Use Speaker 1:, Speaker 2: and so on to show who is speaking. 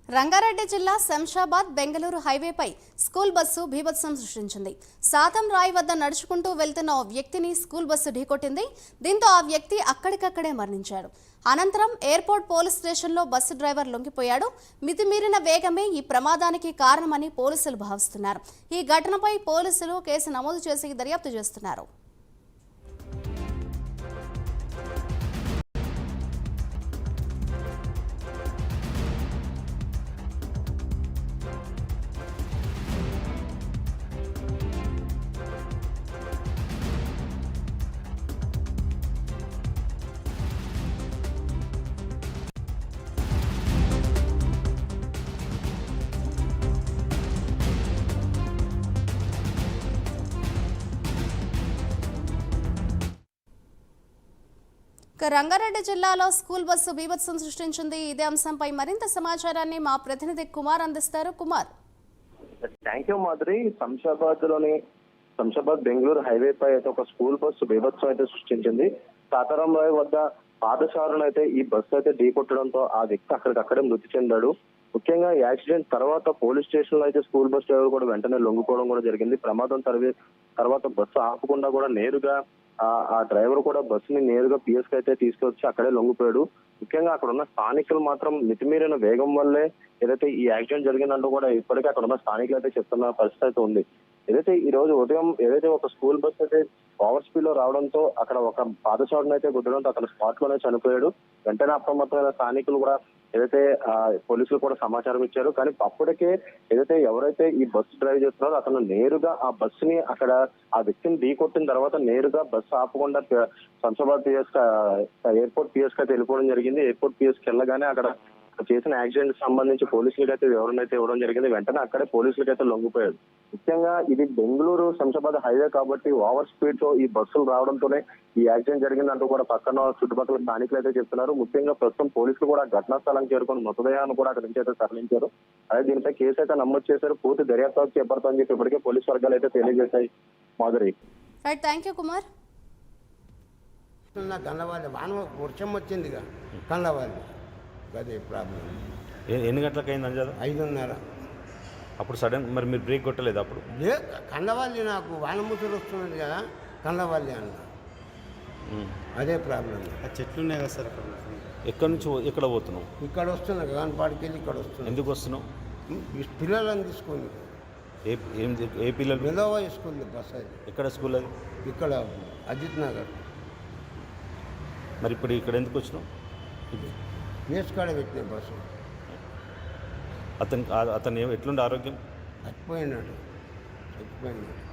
Speaker 1: రంగారెడ్డి జిల్లా శంషాబాద్ బెంగళూరు హైవేపై school bus బీభత్సం సృష్టించింది. సాతం రాయి వద్ద నడుచుకుంటూ వెళ్తున్న ఓ వ్యక్తిని స్కూల్ బస్సు ఢీకొట్టింది. దీంతో ఆ వ్యక్తి అక్కడికక్కడే మరణించాడు. అనంతరం ఎయిర్పోర్ట్ పోలీస్ స్టేషన్లో బస్సు డ్రైవర్ లొంగిపోయాడు. మితిమీరిన వేగమే ఈ ప్రమాదానికి కారణమని పోలీసులు భావిస్తున్నారు. ఈ ఘటనపై పోలీసులు కేసు నమోదు చేసి దర్యాప్తు చేస్తున్నారు. రంగారెడ్డి జిల్లాలో స్కూల్ బస్సు బీభత్సం సృష్టించింది. ఇదే అంశంపై మరింత సమాచారాన్ని మా ప్రతినిధి కుమార్ అందిస్తారు. Kumar,
Speaker 2: thank you Madhuri. Shamshabad Bengaluru highway పై అయితే ఒక స్కూల్ బస్సు బీభత్సం అయితే సృష్టించింది. సాతారాం రాయ్ వద్ద పాదచారులను అయితే ఈ బస్సు అయితే ఢీకొట్టడంతో ఆ వ్యక్తి అక్కడికక్కడే మృతి చెందాడు. ముఖ్యంగా యాక్సిడెంట్ తర్వాత పోలీస్ స్టేషన్ లో అయితే స్కూల్ బస్ డ్రైవర్ కూడా వెంటనే లొంగిపోవడం కూడా జరిగింది. ప్రమాదం తర్వాత బస్సు ఆపకుండా కూడా నేరుగా ఆ డ్రైవర్ కూడా బస్సుని నేరుగా పిఎస్ కి అయితే తీసుకొచ్చి అక్కడే లొంగిపోయాడు. ముఖ్యంగా అక్కడ ఉన్న స్థానికులు మాత్రం మితిమీరిన వేగం వల్లే ఏదైతే ఈ యాక్సిడెంట్ జరిగిందంటూ కూడా ఇప్పటికే అక్కడ ఉన్న స్థానికులు అయితే చెప్తున్న పరిస్థితి అయితే ఉంది. ఏదైతే ఈ రోజు ఉదయం ఒక స్కూల్ బస్ అయితే ఓవర్ స్పీడ్ లో రావడంతో అక్కడ ఒక పాదచారుని అయితే గుద్దడంతో అతను స్పాట్ లోనే చనిపోయాడు. వెంటనే అప్రమత్తమైన స్థానికులు కూడా పోలీసులు కూడా సమాచారం ఇచ్చారు. కానీ అప్పటికే ఎవరైతే ఈ బస్సు డ్రైవ్ చేస్తున్నారో అతను నేరుగా ఆ బస్సుని అక్కడ ఆ వ్యక్తిని ఢీకొట్టిన తర్వాత నేరుగా బస్సు ఆపకుండా శంషాబాద్ ఎయిర్పోర్ట్ పిఎస్ కి అయితే వెళ్ళిపోవడం జరిగింది. ఎయిర్పోర్ట్ పిఎస్ కి వెళ్ళగానే అక్కడ చేసిన యాక్సిడెంట్ సంబంధించి పోలీసులకి అయితే వివరణ అయితే ఇవ్వడం జరిగింది. వెంటనే అక్కడే పోలీసులకి అయితే లొంగిపోయాడు. ముఖ్యంగా ఇది బెంగళూరు శంషాబాద్ హైవే కాబట్టి ఓవర్ స్పీడ్ తో ఈ బస్సులు రావడంతోనే ఈ యాక్సిడెంట్ జరిగిందంటూ కూడా పక్కన చుట్టుపక్కల స్థానికులు అయితే చెప్తున్నారు. ముఖ్యంగా ప్రస్తుతం పోలీసులు కూడా ఘటనా స్థలం చేరుకొని మృతదేహాన్ని కూడా అక్కడి నుంచి అయితే తరలించారు. అదే దీనిపై కేసు అయితే నమోదు చేశారు. పూర్తి దర్యాప్తు చేపడతామని చెప్పి ఇప్పటికే పోలీసు వర్గాలు అయితే తెలియజేశాయి. మాధురి,
Speaker 1: కుమార్.
Speaker 3: వర్షం వచ్చింది కళ్ళవాలి, అదే ప్రాబ్లం.
Speaker 4: ఎన్ని గంటలకు అయింది అంజాదు?
Speaker 3: 5:30.
Speaker 4: అప్పుడు సడన్ మరి మీరు బ్రేక్ కొట్టలేదు? అప్పుడు
Speaker 3: కండవాలి, నాకు వానముసలు వస్తున్నది కదా, కండవాలి అన్న, అదే ప్రాబ్లం.
Speaker 5: ఆ చెట్లు ఉన్నాయి కదా సార్ అక్కడ.
Speaker 4: ఎక్కడి నుంచి ఎక్కడ పోతున్నావు?
Speaker 3: ఇక్కడ వస్తున్నా కాన్పాడికి వెళ్ళి ఇక్కడ వస్తున్నా.
Speaker 4: ఎందుకు వస్తున్నావు?
Speaker 3: పిల్లలను తీసుకొని.
Speaker 4: ఏ పిల్లలు?
Speaker 3: మెదోవా స్కూల్ బస్ అది.
Speaker 4: ఎక్కడ స్కూల్ అది?
Speaker 3: ఇక్కడ అజిత్ నగర్.
Speaker 4: మరి ఇప్పుడు ఇక్కడ ఎందుకు వచ్చినావు?
Speaker 3: వేసుకాడ పెట్టిన బస్సు.
Speaker 4: అతను ఎట్లుండే ఆరోగ్యం?
Speaker 3: చచ్చిపోయినాడు.